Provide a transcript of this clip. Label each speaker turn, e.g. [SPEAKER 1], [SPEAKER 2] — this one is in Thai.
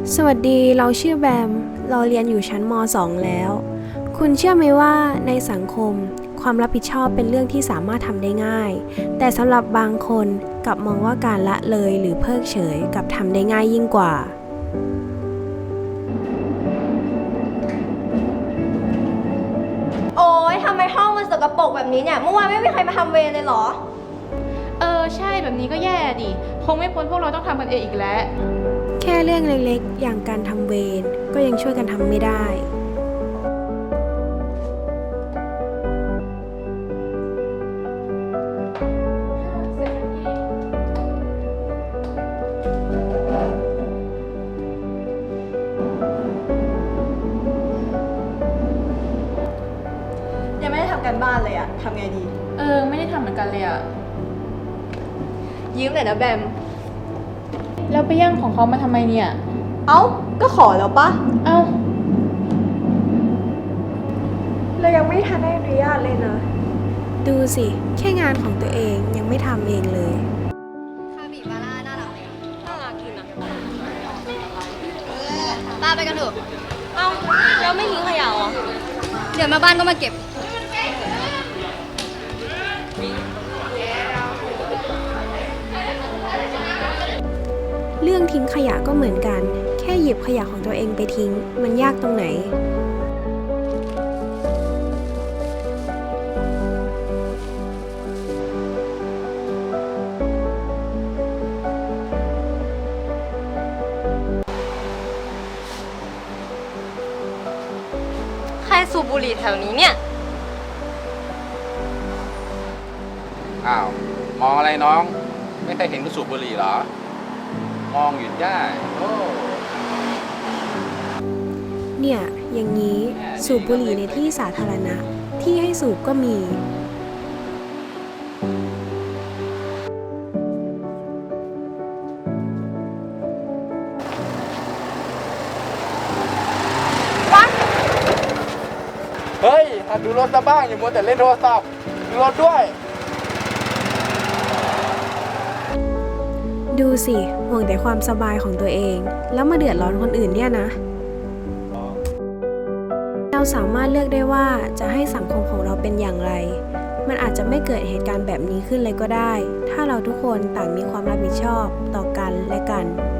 [SPEAKER 1] สวัสดีเราชื่อแบมเราเรียนอยู่ชั้นม .2 แล้ว คุณเชื่อไหมว่าในสังคมความรับผิดชอบเป็นเรื่องที่สามารถทำได้ง่ายแต่สำหรับบางคนกลับมองว่าการละเลยหรือเพิกเฉยกลับทำได้ง่ายยิ่งกว่า
[SPEAKER 2] โอ๊ยทำไมห้องมันสกปรกแบบนี้เนี่ยเมื่อวานไม่มีใครมาทำเวรเลยเหรอ
[SPEAKER 3] ใช่แบบนี้ก็แย่ดิคงไม่พ้นพวกเราต้องทำกันเองอีกแล้ว
[SPEAKER 1] แค่เรื่องเล็กๆอย่างการทำเวรก็ยังช่วยกันทำไม่ได้
[SPEAKER 2] ยังไม่ได้ทำกันบ้านเลยอะทำไงดี
[SPEAKER 3] ไม่ได้ทำเหมือนกันเลยอะ
[SPEAKER 2] ยืมหน่อยนะแบม
[SPEAKER 3] แล้วไปแย่งของเขามาทำไมเนี่ย
[SPEAKER 2] เอ้าก็ขอแล้วปะ
[SPEAKER 3] เอ้า
[SPEAKER 2] เรายังไม่ทันได้อนุญาตเลยนะ
[SPEAKER 1] ดูสิแค่งานของตัวเองยังไม่ทำเองเลย
[SPEAKER 2] คาบิบาร่าน่ารักไหมน่ารักดีนะป้าไปกันเถอะเอ้าแล้วไม่ทิ้งขยะเหรอเดี๋ยวมาบ้านก็มาเก็บ
[SPEAKER 1] เรื่องทิ้งขยะก็เหมือนกันแค่หยิบขยะของตัวเองไปทิ้งมันยากตรงไหน
[SPEAKER 2] ใครสูบบุหรี่แถวนี้เนี่ย
[SPEAKER 4] อ้าวมองอะไรน้องไม่เคยเห็นกูสูบบุหรี่เหรอมองหยุดได้โอ้
[SPEAKER 1] เนี่ยอย่างนี้สูบบุหรี่ในที่สาธารณะที่ให้สูบก็มี
[SPEAKER 4] เฮ้ยหัดดูรถซะบ้างอย่ามัวแต่เล่นโทรศัพท์ดูรถด้วย
[SPEAKER 1] ดูสิห่วงแต่ความสบายของตัวเองแล้วมาเดือดร้อนคนอื่นเนี่ยนะเราสามารถเลือกได้ว่าจะให้สังคมของเราเป็นอย่างไรมันอาจจะไม่เกิดเหตุการณ์แบบนี้ขึ้นเลยก็ได้ถ้าเราทุกคนต่างมีความรับผิดชอบต่อกันและกัน